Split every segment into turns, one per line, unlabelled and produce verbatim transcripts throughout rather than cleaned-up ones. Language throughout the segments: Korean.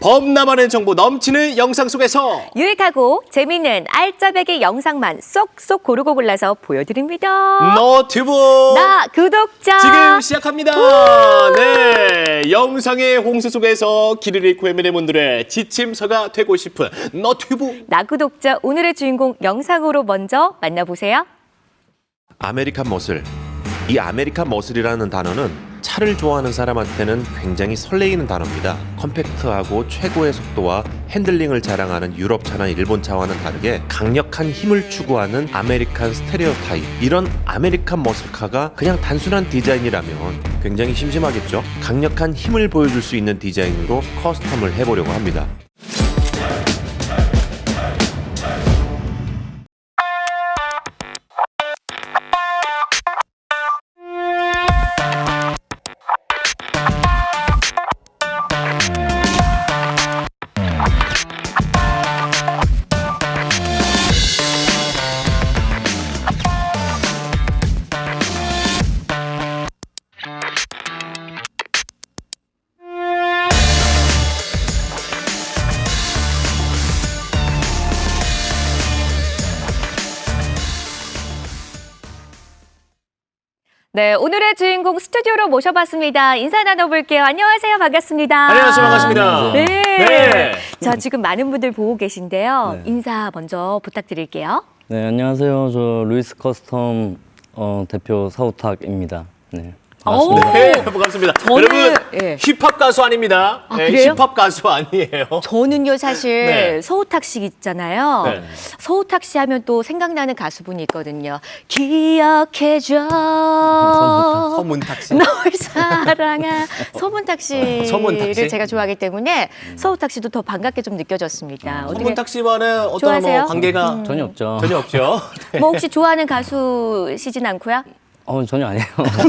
범람하는 정보 넘치는 영상 속에서
유익하고 재미있는 알짜배기 영상만 쏙쏙 고르고 골라서 보여드립니다.
너튜브
나 구독자
지금 시작합니다. 네, 영상의 홍수 속에서 길을 잃고 헤매는 분들의 지침서가 되고 싶은 너튜브
나 구독자 오늘의 주인공 영상으로 먼저 만나보세요.
아메리칸 머슬. 이 아메리칸 머슬이라는 단어는 차를 좋아하는 사람한테는 굉장히 설레이는 단어입니다. 컴팩트하고 최고의 속도와 핸들링을 자랑하는 유럽차나 일본차와는 다르게 강력한 힘을 추구하는 아메리칸 스테레오타입. 이런 아메리칸 머슬카가 그냥 단순한 디자인이라면 굉장히 심심하겠죠. 강력한 힘을 보여줄 수 있는 디자인으로 커스텀을 해보려고 합니다.
네, 오늘의 주인공 스튜디오로 모셔봤습니다. 인사 나눠볼게요. 안녕하세요. 반갑습니다.
안녕하세요. 반갑습니다.
네.
네.
자, 지금 많은 분들 보고 계신데요.
네.
인사 먼저 부탁드릴게요.
네, 안녕하세요. 저 루이스 커스텀 어, 대표 사우탁입니다. 네, 반갑습니다.
네, 반갑습니다.
저는-
여러분
예.
힙합 가수 아닙니다.
아,
네,
그래요?
힙합 가수 아니에요.
저는요, 사실
네.
서우탁 씨 있잖아요.
네.
서우탁 씨 하면 또 생각나는 가수분이 있거든요. 기억해줘.
서문탁 씨.
널 사랑한 서문탁 씨를
서문탁 씨?
제가 좋아하기 때문에 서우탁 씨도 더 반갑게 좀 느껴졌습니다. 어떻게
서문탁 씨와는 어떤
좋아하세요?
뭐 관계가
전혀 없죠.
전혀 없죠.
뭐 혹시 좋아하는 가수시진 않고요?
어, 전혀 아니에요.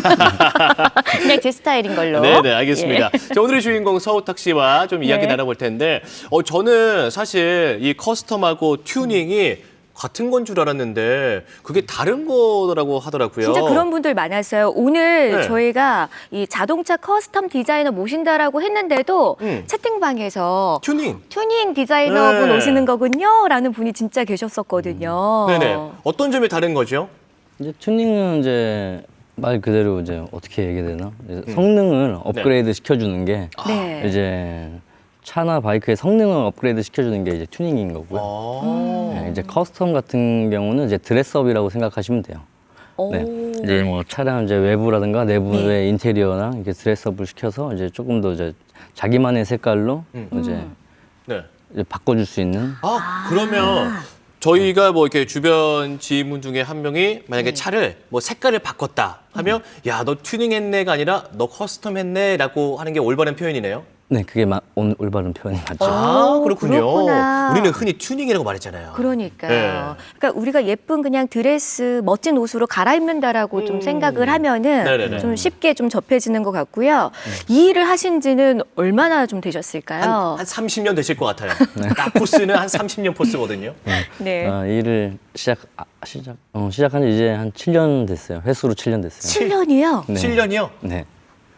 그냥 제 스타일인 걸로.
네, 네, 알겠습니다.
예.
자, 오늘의 주인공 서우탁 씨와 좀 이야기
네.
나눠볼 텐데, 어, 저는 사실 이 커스텀하고 튜닝이 같은 건 줄 알았는데 그게 다른 거라고 하더라고요.
진짜 그런 분들 많았어요. 오늘
네.
저희가 이 자동차 커스텀 디자이너 모신다라고 했는데도
음.
채팅방에서
튜닝.
튜닝 디자이너분
네.
오시는 거군요. 라는 분이 진짜 계셨었거든요.
네네. 어떤 점이 다른 거죠?
이제 튜닝은 이제 말 그대로 이제 어떻게 얘기해야 되나? 이제
음.
성능을 업그레이드 시켜주는 게
네.
이제 차나 바이크의 성능을 업그레이드 시켜주는 게 이제 튜닝인 거고요.
아.
네, 이제 커스텀 같은 경우는 이제 드레스업이라고 생각하시면 돼요.
오.
네. 이제 뭐 차량 이제 외부라든가 내부의
네.
인테리어나 이렇게 드레스업을 시켜서 이제 조금 더 이제 자기만의 색깔로
음.
이제,
네.
이제 바꿔줄 수 있는.
아, 그러면 저희가 뭐 이렇게 주변 지인분 중에 한 명이 만약에
네.
차를 뭐 색깔을 바꿨다 하면 야, 너 튜닝 했네가 아니라 너 커스텀 했네라고 하는 게 올바른 표현이네요.
네, 그게 마, 온, 올바른 표현이 맞죠.
아,
오,
그렇군요.
그렇구나.
우리는 흔히 튜닝이라고 말했잖아요.
그러니까요.
네.
그러니까 우리가 예쁜 그냥 드레스, 멋진 옷으로 갈아입는다라고 좀 생각을 하면은
네네네.
좀 쉽게 좀 접해지는 것 같고요. 이 일을 하신 지는 얼마나 좀 되셨을까요?
한, 한 삼십 년 되실 것 같아요. 딱 포스는 한 삼십 년 포스거든요.
네.
아, 일을 시작 아, 시작 어, 시작한 지 이제 한 칠 년 됐어요. 횟수로 칠 년 됐어요.
칠 년이요?
네.
칠 년이요?
네.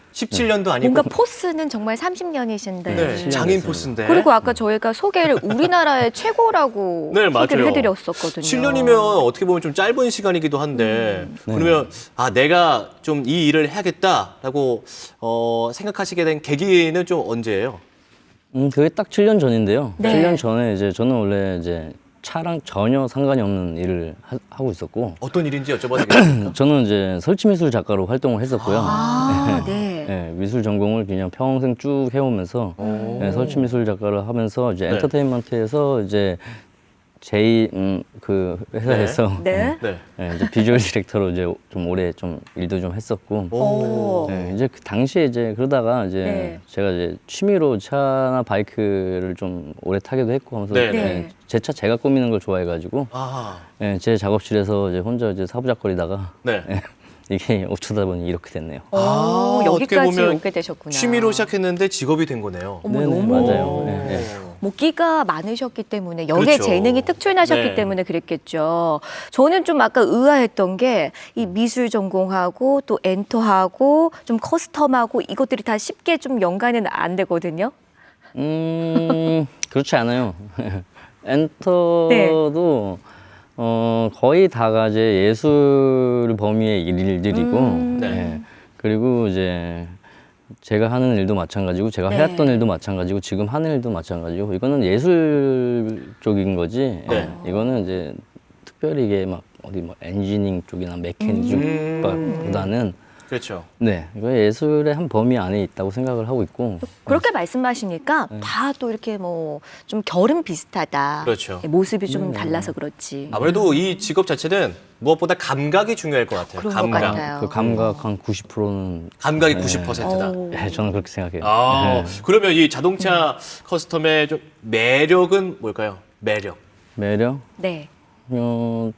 십칠 년도 아니고.
뭔가 포스는 정말 삼십 년이신데.
네,
칠
장인
됐어요.
포스인데.
그리고 아까 저희가 소개를 우리나라의 최고라고
네,
소개를
맞아요.
해드렸었거든요.
칠 년이면 어떻게 보면 좀 짧은 시간이기도 한데 그러면 아 내가 좀 이 일을 해야겠다라고 어, 생각하시게 된 계기는 좀 언제예요?
음, 그게 딱 칠 년 전인데요.
네.
칠 년 전에 이제 저는 원래 이제 차랑 전혀 상관이 없는 일을 하, 하고 있었고
어떤 일인지 여쭤봐도 되겠습니까?
저는 이제 설치미술 작가로 활동을 했었고요.
아, 네.
네, 미술 전공을 그냥 평생 쭉 해오면서 네, 설치미술 작가를 하면서 이제
네.
엔터테인먼트에서 이제 제이 음, 그 회사에서
네.
네.
네, 이제 비주얼 디렉터로 이제 좀 오래 좀 일도 좀 했었고
오.
네, 이제 그 당시에 이제 그러다가 이제
네.
제가 이제 취미로 차나 바이크를 좀 오래 타기도 했고 하면서
네,
네.
제 차 제가 꾸미는 걸 좋아해가지고
아,
네, 제 작업실에서 이제 혼자 이제 사부작거리다가
네.
네, 이게 어쩌다 보니 이렇게 됐네요.
오,
아, 어떻게
여기까지
보면
오게 되셨구나.
취미로 시작했는데 직업이 된 거네요.
어머,
네네,
너무
맞아요. 네, 네.
뭐 끼가 많으셨기 때문에 역의
그렇죠.
재능이 특출나셨기
네.
때문에 그랬겠죠. 저는 좀 아까 의아했던 게 이 미술 전공하고 또 엔터하고 좀 커스텀하고 이것들이 다 쉽게 좀 연관은 안 되거든요.
음, 그렇지 않아요. 엔터도 어, 거의 다가 이제 예술 범위의 일들이고,
음.
네.
예. 그리고 이제 제가 하는 일도 마찬가지고, 제가
네.
해왔던 일도 마찬가지고, 지금 하는 일도 마찬가지고, 이거는 예술 쪽인 거지.
네.
예. 이거는 이제 특별히 이게 막 어디 뭐 엔지니어링 쪽이나 메케니즘
음.
쪽보다는
그렇죠.
네, 이거 예술의 한 범위 안에 있다고 생각을 하고 있고,
그렇게 말씀하시니까 다 또 이렇게 뭐 좀 결은 비슷하다.
그렇죠.
모습이 좀 달라서 그렇지.
아무래도 이 직업 자체는 무엇보다 감각이 중요할 것 같아요.
그런
감각.
것 같아요.
그 감각 한 구십 퍼센트는
감각이
네.
구십 퍼센트다.
오.
네, 저는 그렇게 생각해요.
아,
네.
그러면 이 자동차 커스텀의 좀 매력은 뭘까요? 매력.
매력?
네.
어,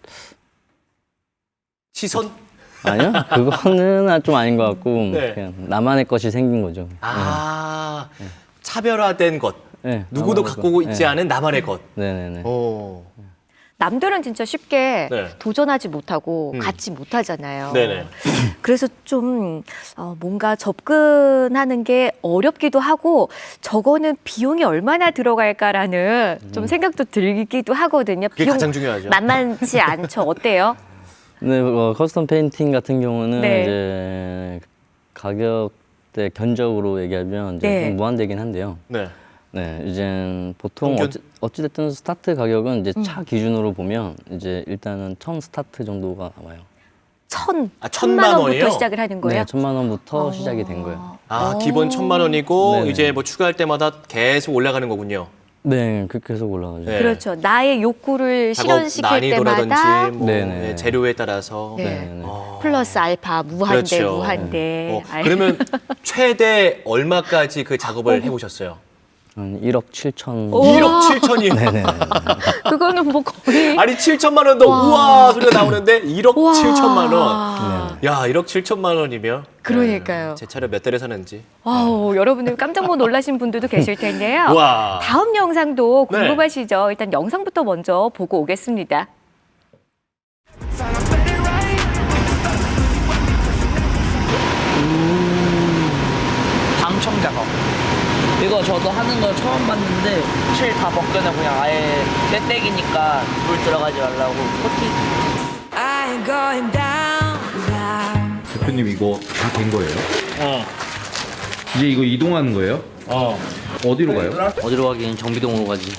시선?
아니요, 그거는 좀 아닌 것 같고
네.
그냥 나만의 것이 생긴 거죠.
아, 차별화된 것.
네,
누구도
나만의
갖고
것.
있지
네.
않은 나만의 것.
네네네.
오.
남들은 진짜 쉽게
네.
도전하지 못하고
음.
갖지 못하잖아요.
네네.
그래서 좀 어, 뭔가 접근하는 게 어렵기도 하고 저거는 비용이 얼마나 들어갈까라는 좀 생각도 들기도 하거든요.
그게
비용
가장 중요하죠.
만만치 않죠. 어때요?
네, 어, 커스텀 페인팅 같은 경우는
네.
이제 가격대 견적으로 얘기하면 이제
네.
좀 무한대긴 한데요.
네.
네, 이제 보통
평균?
어찌, 어찌됐든 스타트 가격은 이제 차 기준으로 보면 이제 일단은 천 스타트 정도가 나와요.
천,
아,
천만
천만
원부터
원이요?
시작을 하는 거예요?
네, 천만 원부터
어.
시작이 된 거예요.
아,
오.
기본 천만 원이고
네네.
이제 뭐 추가할 때마다 계속 올라가는 거군요.
네, 그렇게 계속 올라가죠.
네.
그렇죠. 나의 욕구를
작업
실현시킬 때마다
난이도라든지 뭐
네네.
네, 재료에 따라서.
네.
네네.
어.
플러스 알파 무한대
그렇죠.
무한대.
어,
알-
그러면 최대 얼마까지 그 작업을 해보셨어요?
한 일억 칠천.
오.
일억 칠천이요.
네네.
그거는 뭐 거의
아니 칠천만 원도 우와 소리가 나오는데 일억
와.
칠천만 원. 야, 일억 칠천만 원이면
그러니까요.
네, 제 차를 몇 달에 사는지.
와우, 여러분들 깜짝 못 놀라신 분들도 계실 텐데요.
와.
다음 영상도
네.
궁금하시죠? 일단 영상부터 먼저 보고 오겠습니다.
방청 작업. 이거 저도 하는 거 처음 봤는데 실 다 벗겨내 그냥 아예 떼떼기니까 물 들어가지 말라고 코팅.
I ain't going down, down.
대표님 이거 다 된 거예요?
어.
이제 이거 이동하는 거예요?
어.
어디로 가요?
어디로 가긴 정비동으로 가지.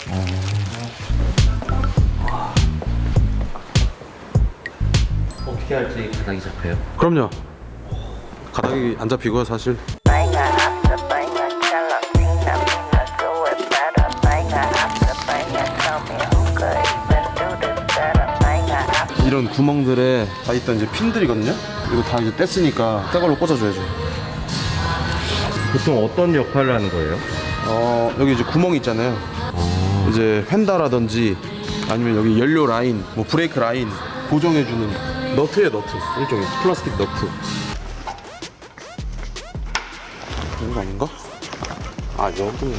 어떻게 할지 가닥이 잡혀요?
그럼요. 가닥이 안 잡히고요, 사실. 이런 구멍들에 다 있던 이제 핀들이거든요. 이거 다 이제 뗐으니까 새 걸로 꽂아줘야죠.
보통 어떤 역할을 하는 거예요?
어, 여기 이제 구멍 있잖아요. 이제 휀다라든지 아니면 여기 연료 라인, 뭐 브레이크 라인 고정해주는 너트예요, 너트. 일종의 플라스틱 너트. 이거 아닌가? 아, 여기네.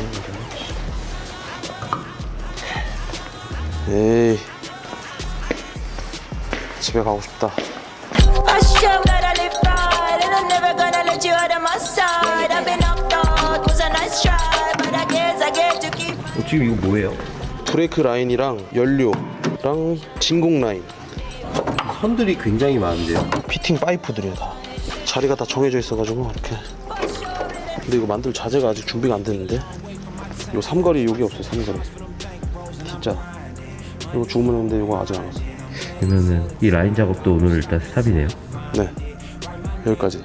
에이, 집에 가고 싶다.
Hush, I'm gonna live right, and I'm never gonna let you out of my side. I've been knocked out, was a nice try, but I guess I get to keep.
어, 지금 이거 뭐예요?
브레이크 라인이랑 연료랑 진공 라인,
선들이 굉장히 많은데요?
피팅 파이프들이에요 다. 자리가 다 정해져 있어가지고 이렇게. 근데 이거 만들 자재가 아직 준비가 안 됐는데. 요 삼거리 여기 없어요, 삼거리. 진짜. 이거 주문했는데 이거 아직 안 왔어.
그러면은 이 라인 작업도 오늘 일단 스탑이네요.
네, 여기까지.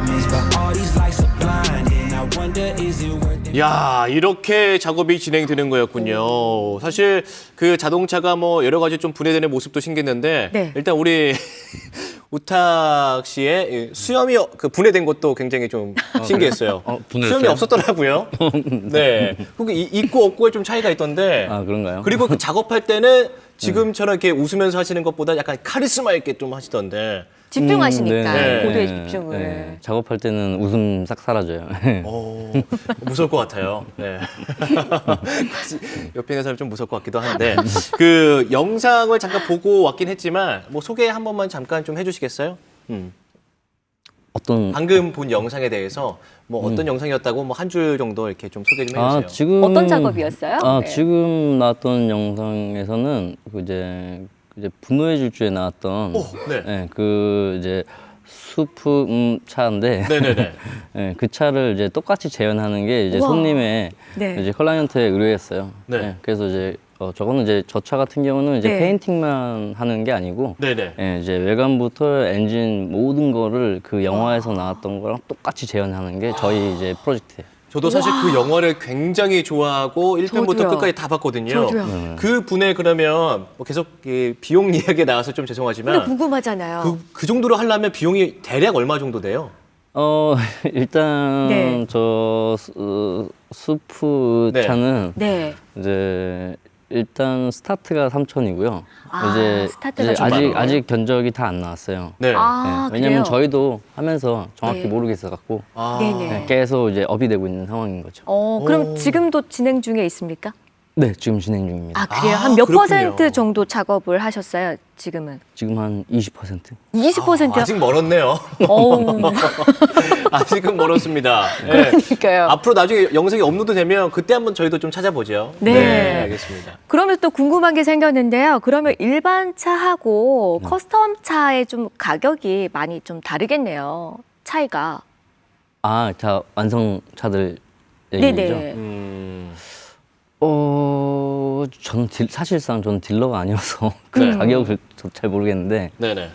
야, 이렇게 작업이 진행되는 거였군요. 사실 그 자동차가 뭐 여러 가지 좀 분해되는 모습도 신기했는데
네.
일단 우리 우탁 씨의 이 수염이 그 분해된 것도 굉장히 좀 신기했어요.
어, 분해됐어요?
수염이 없었더라고요. 네. 그게 이- 있고 없고의 좀 차이가 있던데.
아, 그런가요?
그리고 그 작업할 때는 지금처럼 이렇게 웃으면서 하시는 것보다 약간 카리스마 있게 좀 하시던데.
집중하시니까
음, 네,
고도의
네,
집중을.
네. 작업할 때는 웃음 싹 사라져요.
어, 무서울 것 같아요. 네. 옆에 있는 사람 좀 무서울 것 같기도 한데 그 영상을 잠깐 보고 왔긴 했지만 뭐 소개 한 번만 잠깐 좀 해주시겠어요? 음.
어떤
방금 본 영상에 대해서 뭐 어떤 영상이었다고 뭐 한 줄 정도 이렇게 좀 소개 좀 해주세요.
아, 지금
어떤 작업이었어요?
아,
네.
지금 나왔던 영상에서는 그 이제 이제 분노의 질주에 나왔던
오, 네.
예, 그 이제 수프 음, 차인데
네네네.
예, 그 차를 이제 똑같이 재현하는 게 이제
우와.
손님의
네.
이제 클라이언트에 의뢰했어요.
네.
예, 그래서 이제 어, 저거는 이제 저 차 같은 경우는 이제
네.
페인팅만 하는 게 아니고
네네.
예, 이제 외관부터 엔진 모든 거를 그 영화에서 나왔던 거랑 똑같이 재현하는 게 저희 이제 프로젝트예요.
저도 사실 그 영화를 굉장히 좋아하고 일 편부터
저도요.
끝까지 다 봤거든요.
저도요.
그 분의 그러면 뭐 계속 이 비용 이야기 나와서 좀
근데
죄송하지만
궁금하잖아요.
그, 그 정도로 하려면 비용이 대략 얼마 정도 돼요?
어 일단
네.
저 수, 수프
네.
차는
네.
이제 일단 스타트가 삼천이고요.
아,
이제,
스타트가
이제
좀
아직
많아요.
아직 견적이 다 안 나왔어요.
네.
아,
네, 왜냐면
그래요?
저희도 하면서 정확히
네.
모르겠어 갖고
아.
네네.
계속 이제 업이 되고 있는 상황인 거죠.
어, 그럼
오.
지금도 진행 중에 있습니까?
네, 지금 진행 중입니다.
아, 그래요?
아,
한 몇
그렇군요.
퍼센트 정도 작업을 하셨어요, 지금은?
지금 한 이십 퍼센트.
이십 퍼센트요?
아, 아직 멀었네요.
어우,
아직은 멀었습니다. 네.
그러니까요.
앞으로 나중에 영상이 업로드 되면 그때 한번 저희도 좀 찾아보죠.
네.
알겠습니다.
그러면 또 궁금한 게 생겼는데요. 그러면 일반 차하고 커스텀 차의 좀 가격이 많이 좀 다르겠네요. 차이가.
아, 자 완성 차들 얘기죠.
네네.
음,
어, 저는 딜, 사실상 저는 딜러가 아니어서 그
네.
가격을 저도 잘 모르겠는데,
네네.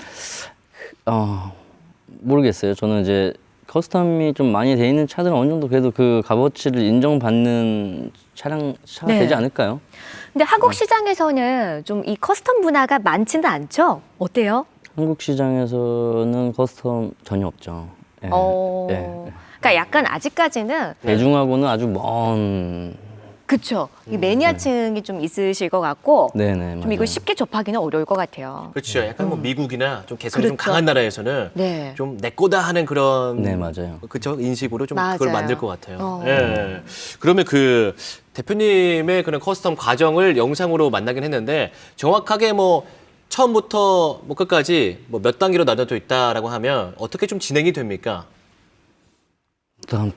어, 모르겠어요. 저는 이제 커스텀이 좀 많이 돼 있는 차들은 어느 정도 그래도 그 값어치를 인정받는 차량 차가
네.
되지 않을까요?
근데 한국 시장에서는 좀 이 커스텀 문화가 많지는 않죠? 어때요?
한국 시장에서는 커스텀 전혀 없죠. 예,
어.
예.
그러니까 약간 아직까지는
대중하고는 아주 먼.
그쵸. 이 매니아층이 좀 있으실 것 같고
네네.
좀
맞아요.
이걸 쉽게 접하기는 어려울 것 같아요.
그렇죠. 약간 뭐 미국이나 좀 개성이 좀
그렇죠.
강한 나라에서는
네.
좀 내 거다 하는 그런
네, 맞아요.
그쵸 인식으로 좀 그걸
맞아요.
만들 것 같아요.
어.
예. 그러면 그 대표님의 그런 커스텀 과정을 영상으로 만나긴 했는데 정확하게 뭐 처음부터 뭐 끝까지 뭐 몇 단계로 나눠져 있다라고 하면 어떻게 좀 진행이 됩니까?
일단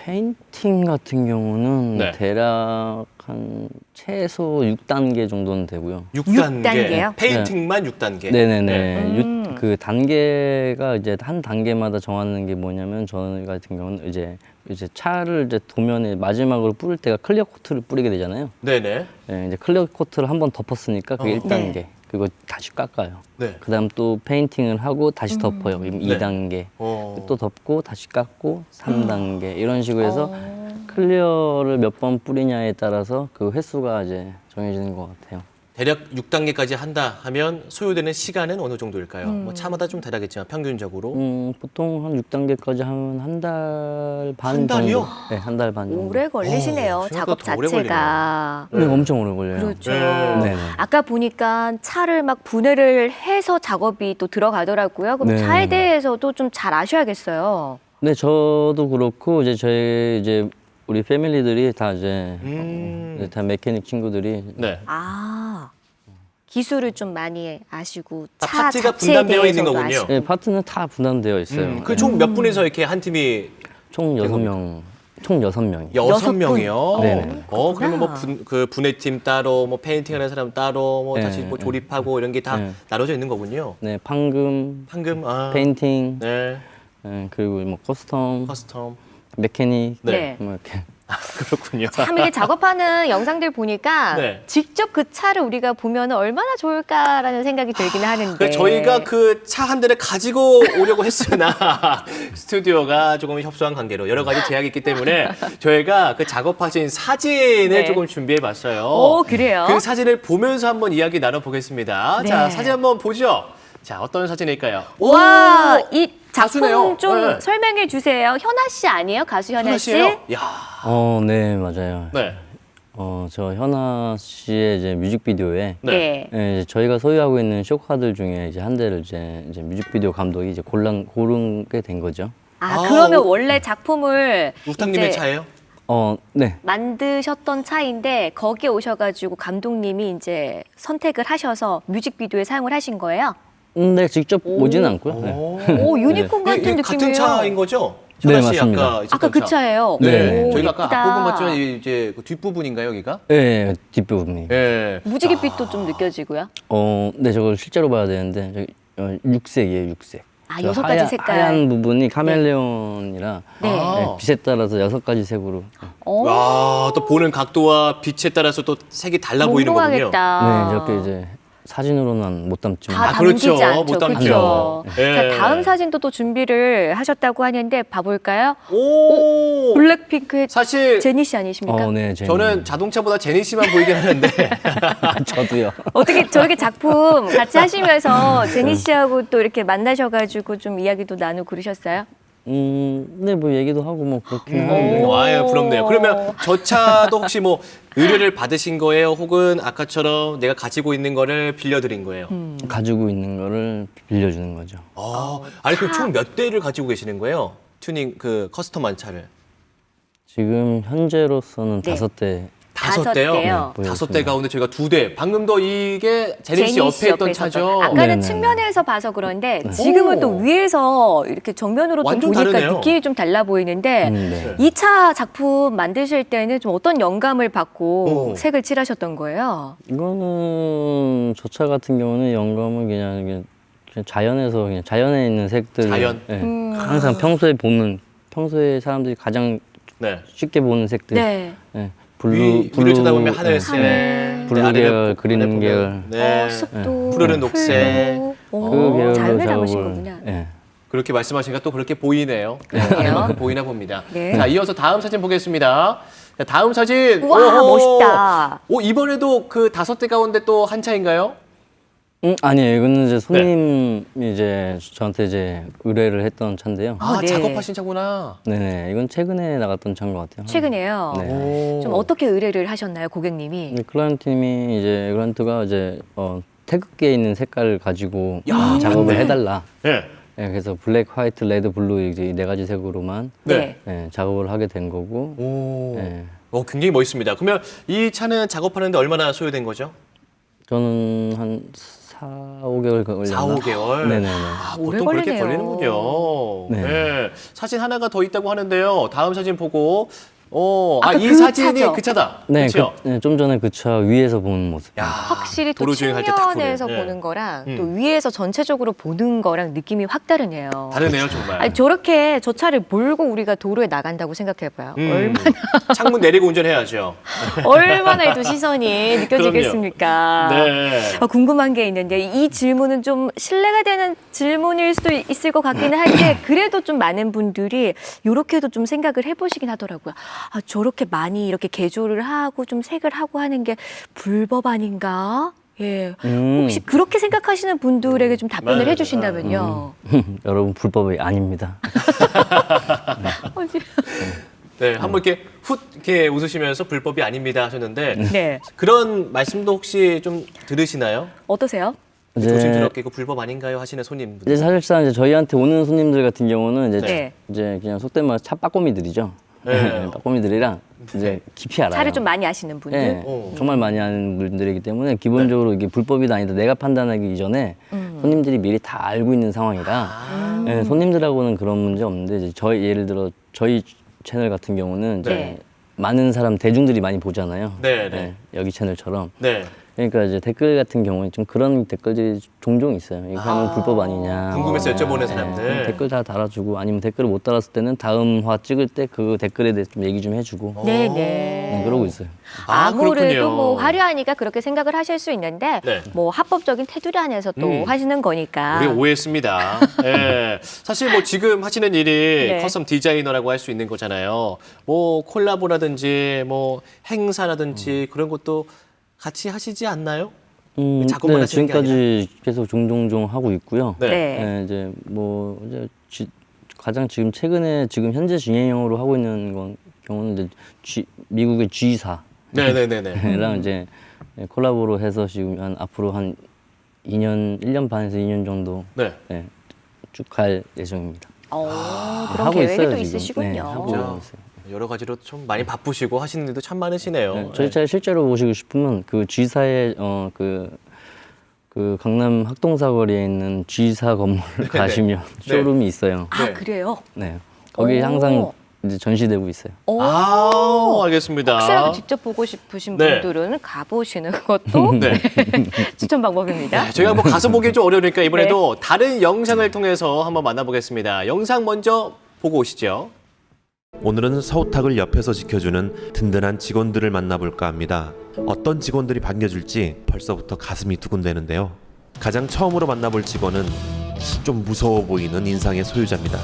페인팅 같은 경우는
네.
대략 한 최소 육 단계 정도는 되고요.
육
육
단계.
단계요?
페인팅만 육 단계.
네네네.
음.
육- 그 단계가 이제 한 단계마다 정하는 게 뭐냐면 저희 같은 경우는 이제 이제 차를 이제 도면에 마지막으로 뿌릴 때가 클리어 코트를 뿌리게 되잖아요.
네네.
예, 이제 클리어 코트를 한 번 덮었으니까 그게
어.
일 단계. 그리고 다시 깎아요.
네.
그다음 또 페인팅을 하고 다시 덮어요. 그럼
네.
이 단계.
어.
또 덮고 다시 깎고 삼 단계 이런 식으로 해서
어.
클리어를 몇 번 뿌리냐에 따라서 그 횟수가 이제 정해지는 것 같아요.
대략 육 단계까지 한다 하면 소요되는 시간은 어느 정도일까요?
음.
뭐 차마다 좀 다르겠지만 평균적으로.
음, 보통 한 육 단계까지 하면 한 달 반
한 달이요?
정도. 네, 한 달 반 정도.
오래 걸리시네요.
어,
작업
생각보다 더 오래
자체가.
네, 엄청 오래 걸려요.
그렇죠.
네.
네네.
아까 보니까 차를 막 분해를 해서 작업이 또 들어가더라고요. 그럼
네.
차에 대해서도 좀 잘 아셔야겠어요.
네, 저도 그렇고 이제 저희 이제 우리 패밀리들이 다 이제
음.
어, 다 메케닉 친구들이
네.
아, 기술을 좀 많이 아시고
아,
차
파트가
자체에
분담되어 있는
대해서도
거군요.
아시고.
네, 파트는 다 분담되어 있어요.
음, 그 총 몇 분에서 이렇게 한 팀이
총 여섯 명, 총 여섯 명이.
여섯
여섯 분.
명이요.
네네.
어, 그러면 뭐
그렇구나.
분, 그 분해팀 따로, 뭐 페인팅하는 사람 따로, 뭐
네,
다시 뭐
네.
조립하고 이런 게 다
네.
나눠져 있는 거군요.
네, 판금,
판금, 아,
페인팅,
네,
네, 그리고 뭐 커스텀,
커스텀.
메케닉,
네.
뭐 이렇게.
그렇군요.
참 이게 작업하는 영상들 보니까
네.
직접 그 차를 우리가 보면 얼마나 좋을까라는 생각이 들기는 하는데.
그러니까 저희가 그 차 한 대를 가지고 오려고 했으나 스튜디오가 조금 협소한 관계로 여러 가지 제약이 있기 때문에 저희가 그 작업하신 사진을
네.
조금 준비해 봤어요.
오, 그래요?
그 사진을 보면서 한번 이야기 나눠보겠습니다.
네.
자, 사진 한번 보죠. 자, 어떤 사진일까요?
와,
오!
이 작품
가수네요.
좀
네.
설명해 주세요. 현아 씨 아니에요? 가수 현아,
현아
씨?
씨예요? 야,
어, 네, 맞아요.
네,
어, 저 현아 씨의 이제 뮤직비디오에
네.
예, 이제 저희가 소유하고 있는 쇼카들 중에 이제 한 대를 이제, 이제 뮤직비디오 감독이 이제 골란 고르게 된 거죠.
아,
아,
그러면
오.
원래 작품을
우탁님의
이제
차예요?
어, 네.
만드셨던 차인데 거기에 오셔가지고 감독님이 이제 선택을 하셔서 뮤직비디오에 사용을 하신 거예요?
음, 네, 직접 오지는 않고요. 네.
오, 유니콘
이게-
같은
이게
느낌이에요.
같은 차인 거죠?
네,
현아 씨
맞습니다.
아까 있었던
아까 그
차.
차예요.
네.
오,
저희가 아까
예쁘다.
앞부분 봤지만 이제 그 뒷부분인가요, 여기가?
네, 뒷부분이.
예.
무지갯빛도 좀 느껴지고요.
어, 네, 저걸 실제로 봐야 되는데 저기 어, 육색이에요, 육색.
아,
저
여섯 가지
하얀-
색깔.
하얀 부분이 카멜레온이라
네.
네, 빛에 따라서 여섯 가지 색으로.
어,
와, 또 보는 각도와 빛에 따라서 또 색이 달라 보이는 거군요.
몽롱하겠다.
네, 저렇게 이제 사진으로는 못 담지만.
다
아, 그렇죠.
담기지 않죠.
못 담죠.
그렇죠.
예.
자, 다음 사진도 또 준비를 하셨다고 하는데 봐볼까요?
오!
블랙핑크의
사실
제니 씨 아니십니까?
어, 네, 제니.
저는 자동차보다 제니 씨만 보이긴 하는데
저도요.
어떻게 저렇게 작품 같이 하시면서 제니 씨하고 또 이렇게 만나셔가지고 좀 이야기도 나누고 그러셨어요?
음, 네, 뭐 얘기도 하고 뭐 그렇긴
음,
한데.
아유 부럽네요. 그러면 저 차도 혹시 뭐 의뢰를 받으신 거예요? 혹은 아까처럼 내가 가지고 있는 거를 빌려드린 거예요?
가지고 있는 거를 빌려주는 거죠.
아, 아니 그럼 총 몇 대를 가지고 계시는 거예요? 튜닝 그 커스텀한 차를
지금 현재로서는
네.
다섯 대.
다섯
다섯
대요?
대요.
네,
다섯 대 가운데 저희가 두 대. 방금도 이게 제니 씨
제니
옆에 있던
옆에서
차죠?
봤던. 아까는
네네.
측면에서 봐서 그런데 지금은
오.
또 위에서 이렇게 정면으로 또
완전
보니까
다르네요.
느낌이 좀 달라 보이는데
음, 네.
이 차 작품 만드실 때는 좀 어떤 영감을 받고
오.
색을 칠하셨던 거예요?
이거는 저 차 같은 경우는 영감은 그냥, 이게 그냥 자연에서 그냥 자연에 있는 색들.
자연?
네.
음.
항상 평소에 보는 평소에 사람들이 가장
네.
쉽게 보는 색들.
네.
네. 블루
위, 위로 쳐다보면 하늘색,
하늘.
블루
네, 아래를
계열, 그린
보면
계열.
네.
어, 숲도
푸르른 녹색.
풀도. 오,
그 계열로
자연에
작업을.
담으신 거구나.
네.
그렇게 말씀하시니까 또 그렇게 보이네요.
그러게요.
하늘만큼 보이나 봅니다.
네.
자, 이어서 다음 사진 보겠습니다. 자, 다음 사진.
우와,
오호.
멋있다.
오, 이번에도 그 다섯 대 가운데 또 한 차인가요?
음, 아니에요. 이거는
네.
이제 손님이 이제 저한테 이제 의뢰를 했던 차인데요.
아,
아, 네.
작업하신 차구나.
네네. 이건 최근에 나갔던 차인 것 같아요.
최근에요.
네.
오.
좀 어떻게 의뢰를 하셨나요, 고객님이?
근데 클라이언트님이 이제 클라이언트가 이제 어, 태극기에 있는 색깔을 가지고
야,
작업을
맞네.
해달라.
네.
네, 그래서 블랙, 화이트, 레드, 블루 이제 이 네 가지 색으로만
네.
네, 작업을 하게 된 거고.
오.
네.
어, 굉장히 멋있습니다. 그러면 이 차는 작업하는데 얼마나 소요된 거죠?
저는 한 사, 오 개월 걸렸나?
사, 오 개월.
네네네.
아,
오래
보통 그렇게
걸리네요.
걸리는군요. 네.
네.
사진 하나가 더 있다고 하는데요. 다음 사진 보고, 어, 아,
아까
이
그
사진이
차죠?
그 차다.
네,
그렇죠?
그, 네, 좀 전에 그 차 위에서 보는 모습.
야,
확실히 또
도로 주행할 때딱
측면에서
보는. 네.
보는 거랑
음.
또 위에서 전체적으로 보는 거랑 느낌이 확 다르네요.
다르네요, 정말.
아니, 저렇게 저 차를 몰고 우리가 도로에 나간다고 생각해봐요.
음.
얼마나
창문 내리고 운전해야죠.
얼마나 또 시선이 느껴지겠습니까?
네.
아, 궁금한 게 있는데 이 질문은 좀 신뢰가 되는 질문일 수도 있을 것 같기는 한데 그래도 좀 많은 분들이 이렇게도 좀 생각을 해보시긴 하더라고요. 아, 저렇게 많이 이렇게 개조를 하고 좀 색을 하고 하는 게 불법 아닌가? 예.
음.
혹시 그렇게 생각하시는 분들에게 좀 답변을
맞아요.
해주신다면요.
여러분 불법이 아닙니다.
어디-
네, 한번 이렇게 훗 이렇게 웃으시면서 불법이 아닙니다 하셨는데
네.
그런 말씀도 혹시 좀 들으시나요?
어떠세요?
이제,
조심스럽게 이거 불법 아닌가요 하시는 손님분들.
이제 사실상 이제 저희한테 오는 손님들 같은 경우는 이제,
네.
이제 그냥 속된 말 차 빠꼬미들이죠.
네.
빠꼬미들이랑 이제 깊이 알아요.
차를 좀 많이 아시는 분들.
네,
어.
정말 많이 아는 분들이기 때문에 기본적으로 이게 불법이다 아니다 내가 판단하기 이전에
음.
손님들이 미리 다 알고 있는 상황이라
아.
네, 손님들하고는 그런 문제 없는데 이제 저희 예를 들어 저희 채널 같은 경우는 이제
네.
많은 사람 대중들이 많이 보잖아요.
네, 네.
여기 채널처럼.
네.
그러니까 이제 댓글 같은 경우에 좀 그런 댓글들이 종종 있어요. 이거 하면
아.
불법 아니냐.
궁금해서 여쭤보는
네,
사람들.
댓글 다 달아주고 아니면 댓글을 못 달았을 때는 다음 화 찍을 때 그 댓글에 대해서 좀 얘기 좀 해주고
네,
어.
네.
네, 그러고 있어요.
아,
아무래도
그렇군요.
뭐 화려하니까 그렇게 생각을 하실 수 있는데
네.
뭐 합법적인 테두리 안에서 또
음.
하시는 거니까.
우리가 오해했습니다. 예. 사실 뭐 지금 하시는 일이
네.
커스텀 디자이너라고 할 수 있는 거잖아요. 뭐 콜라보라든지 뭐 행사라든지 그런 것도 같이 하시지 않나요?
음,
작업만
네,
하시는 게
지금까지 계속 종종종 하고 있고요.
네.
네.
네, 이제 뭐 이제 지- 가장 지금 최근에 지금 현재 진행형으로 하고 있는 건 경우는 이제 G, 미국의 G사랑
네네네네.
이제 콜라보로 해서 지금 한 앞으로 한 이 년, 일 년 반에서 이 년 정도
네.
네, 쭉 갈 예정입니다.
어, 그런
하고
계획이
있어요,
또
지금.
있으시군요.
네, 하고
진짜
있어요.
여러 가지로 좀 많이 바쁘시고 하시는 일도 참 많으시네요.
네, 저희 차를 실제로 보시고 싶으면 그 G사의 어, 그, 그 강남 학동사거리에 있는 G사 건물 가시면 쇼룸이 있어요.
아
네.
그래요?
네. 거기
오.
항상 이제 전시되고 있어요.
오.
아, 알겠습니다.
혹시라도 직접 보고 싶으신
네.
분들은 가보시는 것도
네.
추천 방법입니다.
네, 저희가 뭐 가서 보기 좀 어려우니까
네.
이번에도 다른 영상을 통해서 한번 만나보겠습니다. 영상 먼저 보고 오시죠.
오늘은 서우탁을 옆에서 지켜주는 든든한 직원들을 만나볼까 합니다. 어떤 직원들이 반겨줄지 벌써부터 가슴이 두근대는데요. 가장 처음으로 만나볼 직원은 좀 무서워 보이는 인상의 소유자입니다.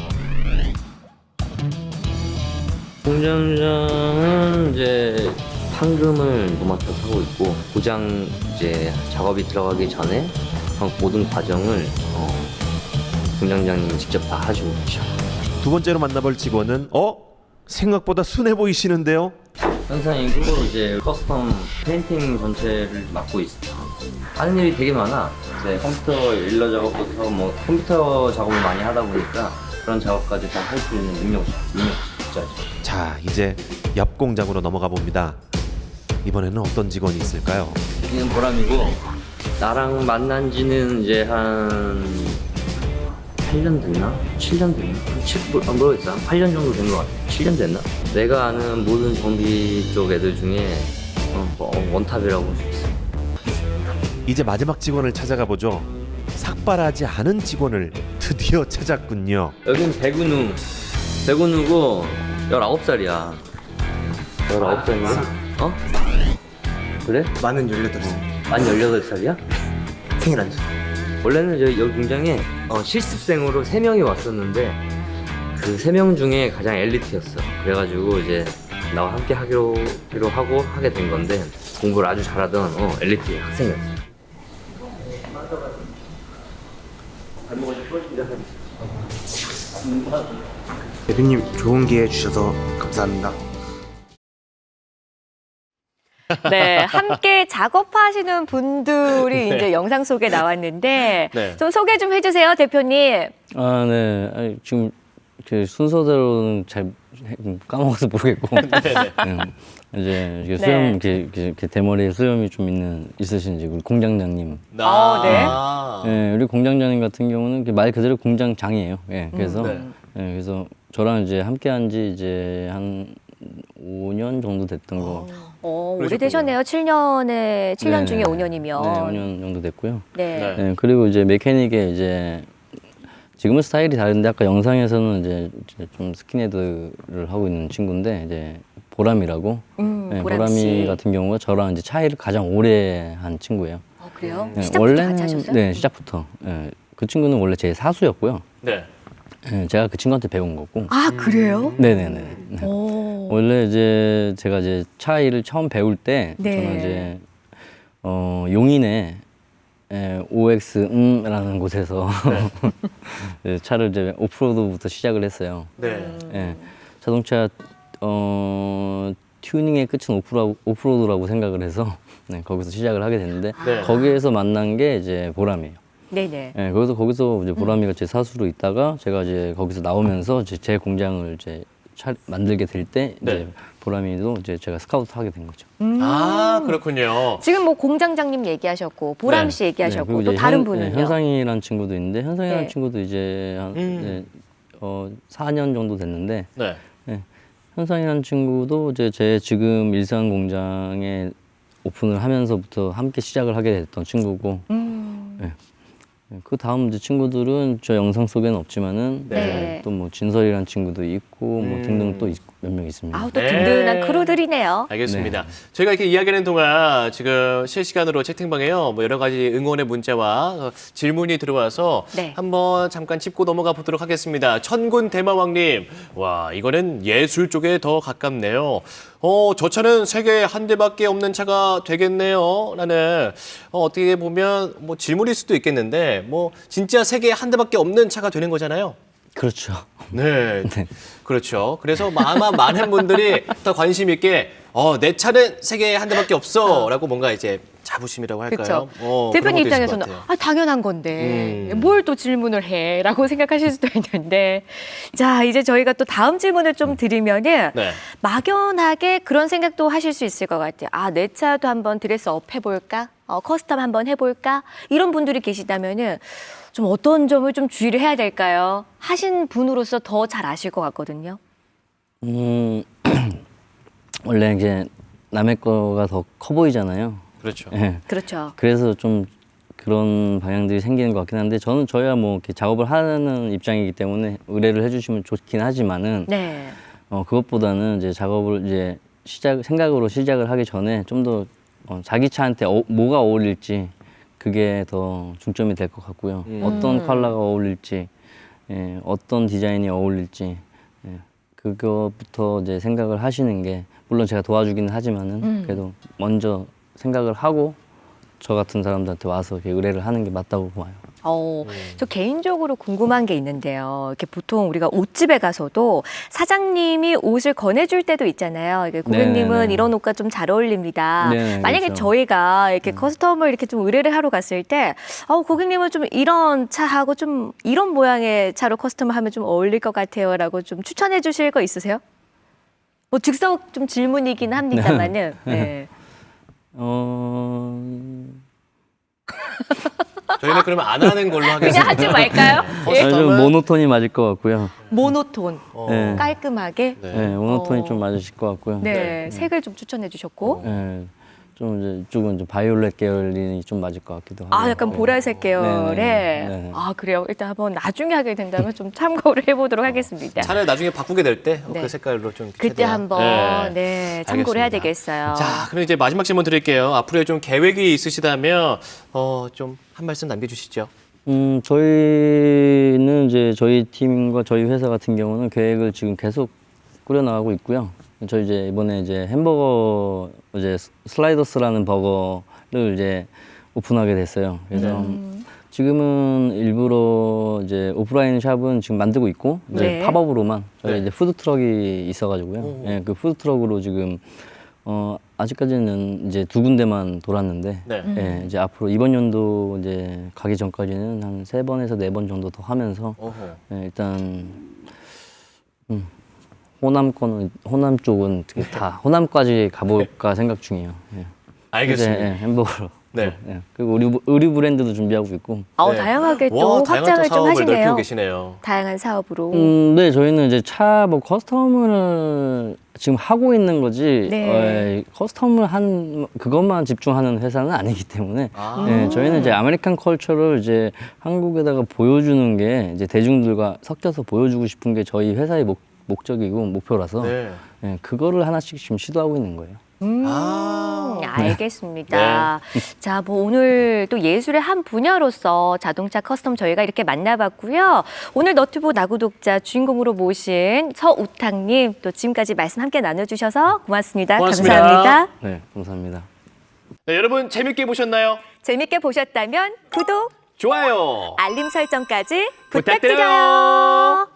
공장장은 이제 판금을 노맡아 하고 있고 고장 이제 작업이 들어가기 전에 모든 과정을 어, 공장장님이 직접 다 하시고 계셔.
두 번째로 만나볼 직원은 어? 생각보다 순해 보이시는데요?
현상이고 이제 커스텀 페인팅 전체를 맡고 있어요. 하는 일이 되게 많아. 이제 컴퓨터 일러 작업부터 뭐 컴퓨터 작업을 많이 하다 보니까 그런 작업까지 다 할 수 있는 능력, 능력자죠.
자, 이제 옆 공장으로 넘어가 봅니다. 이번에는 어떤 직원이 있을까요?
여기는 보람이고 나랑 만난 지는 이제 한 팔 년 됐나? 칠 년 됐나? 칠, 아, 모르겠어. 한 팔 년 정도 된 것 같아. 칠 년 됐나? 내가 아는 모든 정비 쪽 애들 중에 어, 뭐 원탑이라고 할 수 있어.
이제 마지막 직원을 찾아가 보죠. 삭발하지 않은 직원을 드디어 찾았군요.
여긴 백은우. 백은우고 열아홉 살이야. 열아홉 살인가? 어? 그래?
만은 열여덟 살.
만 열여덟 살이야?
생일 안 줘.
원래는 저희 여기 공장에 어, 실습생으로 세 명이 왔었는데 그 세 명 중에 가장 엘리트였어. 그래가지고 이제 나와 함께 하기로, 하기로 하고 하게 된 건데 공부를 아주 잘하던 어, 엘리트 학생이었어.
대표님 좋은 기회 주셔서 감사합니다.
네, 함께 작업하시는 분들이
네.
이제 영상 속에 나왔는데
네.
좀 소개 좀 해주세요, 대표님.
아, 네. 아니, 지금 그 순서대로는 잘 까먹어서 모르겠고. 음, 이제 이게 수염
네.
이렇게, 이렇게, 이렇게 대머리에 수염이 좀 있는 있으신지 우리 공장장님.
아, 네.
예, 우리 공장장님 같은 경우는 이렇게 말 그대로 공장장이에요. 예, 그래서
네.
예, 그래서 저랑 이제 함께한 지 이제 한 오 년 정도 됐던 거.
어,
그러셨군요.
오래되셨네요. 칠 년에 칠 년
네.
중에 오 년이면.
네, 오 년 정도 됐고요.
네.
네.
예, 그리고 이제 메케닉에 이제 지금은 스타일이 다른데 아까 영상에서는 이제 이제 좀 스킨헤드를 하고 있는 친구인데 이제 보람이라고.
음,
예,
보람
보람이
씨.
같은 경우가 저랑 이제 차이를 가장 오래 한 친구예요.
어, 그래요?
예,
시작부터 같이 하셨어요?
네, 시작부터. 예, 그 친구는 원래 제 사수였고요.
네.
예, 제가 그 친구한테 배운 거고.
아, 그래요?
네네네. 네.
오.
원래 이제 제가 이제 차 일을 처음 배울 때
네.
저는 이제 어, 용인에 에, 오엑스음이라는 곳에서 네, 차를 이제 오프로드부터 시작을 했어요.
네.
예, 자동차 어, 튜닝의 끝은 오프로, 오프로드라고 생각을 해서 네, 거기서 시작을 하게 됐는데
네.
거기에서 만난 게 이제 보람이에요.
네네.
예, 그래서 거기서 이제 보람이가 제 사수로 있다가 제가 이제 거기서 나오면서 이제 제 공장을 이제 차, 만들게 될 때 이제
네.
보람이도 이제 제가 스카우트 하게 된 거죠.
아, 그렇군요.
지금 뭐 공장장님 얘기하셨고 보람
네.
씨 얘기하셨고
그리고
또
이제
다른
현-
분은요?
네, 현상이라는 친구도 있는데 현상이라는
네.
친구도 이제 한
음.
네, 어, 사 년 정도 됐는데
네.
현상이라는 친구도 이제 제 지금 일산 공장에 오픈을 하면서부터 함께 시작을 하게 됐던 친구고
음.
네. 그 다음 이제 친구들은 저 영상 속에는 없지만은
네.
또 뭐 진설이라는 친구도 있고 뭐
음.
등등 또 몇 명 있습니다.
아우 또
네.
든든한 크루들이네요.
알겠습니다. 저희가 이렇게 이야기하는 동안 지금 실시간으로 채팅방에요. 뭐 여러 가지 응원의 문자와 어, 질문이 들어와서
네.
한번 잠깐 짚고 넘어가 보도록 하겠습니다. 천군 대마왕님, 와 이거는 예술 쪽에 더 가깝네요. 어, 저 차는 세계에 한 대밖에 없는 차가 되겠네요. 라는 어, 어떻게 보면 뭐 질문일 수도 있겠는데 뭐 진짜 세계에 한 대밖에 없는 차가 되는 거잖아요.
그렇죠.
네, 그렇죠. 그래서 아마 많은 분들이 더 관심 있게 어, 내 차는 세계에 한 대밖에 없어라고 뭔가 이제 자부심이라고 할까요?
그렇죠.
어, 그런
대표님
것도 있을 것
입장에서는
같아요.
아, 당연한 건데
음.
뭘 또 질문을 해라고 생각하실 수도 있는데 자 이제 저희가 또 다음 질문을 좀 드리면은
네.
막연하게 그런 생각도 하실 수 있을 것 같아요. 아 내 차도 한번 드레스업 해볼까? 어, 커스텀 한번 해볼까? 이런 분들이 계시다면은 좀 어떤 점을 좀 주의를 해야 될까요? 하신 분으로서 더 잘 아실 것 같거든요.
음, 원래 이제 남의 거가 더 커 보이잖아요.
그렇죠.
예.
그렇죠.
그래서 좀 그런 방향들이 생기는 것 같긴 한데 저는 저야 뭐 이렇게 작업을 하는 입장이기 때문에 의뢰를 해주시면 좋긴 하지만은
네.
어, 그것보다는 이제 작업을 이제 시작 생각으로 시작을 하기 전에 좀 더 어, 자기 차한테 어, 뭐가 어울릴지 그게 더 중점이 될 것 같고요.
음.
어떤 컬러가 어울릴지, 예, 어떤 디자인이 어울릴지 예, 그거부터 이제 생각을 하시는 게 물론 제가 도와주기는 하지만은
음.
그래도 먼저 생각을 하고 저 같은 사람들한테 와서 이렇게 의뢰를 하는 게 맞다고 봐요.
어,
음.
저 개인적으로 궁금한 게 있는데요. 이렇게 보통 우리가 옷집에 가서도 사장님이 옷을 권해줄 때도 있잖아요. 이게 고객님은
네네네.
이런 옷과 좀 잘 어울립니다.
네네,
만약에
그렇죠.
저희가 이렇게 커스텀을 이렇게 좀 의뢰를 하러 갔을 때, 어, 고객님은 좀 이런 차하고 좀 이런 모양의 차로 커스텀을 하면 좀 어울릴 것 같아요라고 좀 추천해 주실 거 있으세요? 뭐 즉석 좀 질문이긴 합니다만은. 네.
어...
저희는 그러면 안 하는 걸로 하겠습니다.
그냥 하지 말까요?
네.
아니, 좀 모노톤이 맞을 것 같고요.
모노톤,
어,
네.
깔끔하게.
네.
네, 모노톤이
어.
좀 맞으실 것 같고요.
네, 색을 좀 추천해 주셨고.
네, 좀 이제 이쪽은 좀 바이올렛 계열이 좀 맞을 것 같기도 하고.
아, 약간 보라색 계열의.
네네, 네네.
아, 그래요. 일단 한번 나중에 하게 된다면 좀 참고를 해보도록 하겠습니다.
차를 나중에 바꾸게 될 때 그
네.
색깔로 좀
그때
최대한.
한번 네, 참고를 해야
알겠습니다.
되겠어요.
자, 그럼 이제 마지막 질문 드릴게요. 앞으로의 좀 계획이 있으시다면 어, 좀 한 말씀 남겨주시죠.
음, 저희는 이제 저희 팀과 저희 회사 같은 경우는 계획을 지금 계속 꾸려나가고 있고요. 저희 이제 이번에 이제 햄버거 이제 슬라이더스라는 버거를 이제 오픈하게 됐어요. 그래서
음.
지금은 일부러 이제 오프라인 샵은 지금 만들고 있고 이제
네.
팝업으로만 저희
네.
이제 푸드 트럭이 있어가지고요.
오.
예, 그 푸드 트럭으로 지금 어 아직까지는 이제 두 군데만 돌았는데
네.
음.
예, 이제 앞으로 이번 연도 이제 가기 전까지는 한 세 번에서 네 번 정도 더 하면서
어허.
예, 일단 음, 호남권은 호남 쪽은 되게 다 호남까지 가볼까 생각 중이에요. 예.
알겠습니다.
이제, 예, 햄버거로.
네.
예. 그리고 의류, 의류 브랜드도 준비하고 있고.
어,
네.
다양하게 또
와, 다양한
확장을
또
좀
사업을
하시네요.
넓히고 계시네요.
다양한 사업으로.
음, 네, 저희는 이제 차 뭐 커스텀을 지금 하고 있는 거지.
네.
어, 커스텀을 한 그것만 집중하는 회사는 아니기 때문에.
아.
네, 저희는 이제 아메리칸 컬처를 이제 한국에다가 보여주는 게 이제 대중들과 섞여서 보여주고 싶은 게 저희 회사의 목, 목적이고 목표라서.
네.
네, 그거를 하나씩 지금 시도하고 있는 거예요.
음,
아.
알겠습니다. 자, 뭐 오늘 또 예술의 한 분야로서 자동차 커스텀 저희가 이렇게 만나봤고요. 오늘 너튜브 나구독자 주인공으로 모신 서우탁님 또 지금까지 말씀 함께 나눠주셔서 고맙습니다.
고맙습니다.
감사합니다.
네, 감사합니다.
네, 여러분 재밌게 보셨나요?
재밌게 보셨다면 구독,
좋아요.
알림 설정까지
부탁드려요.
부탁드려요.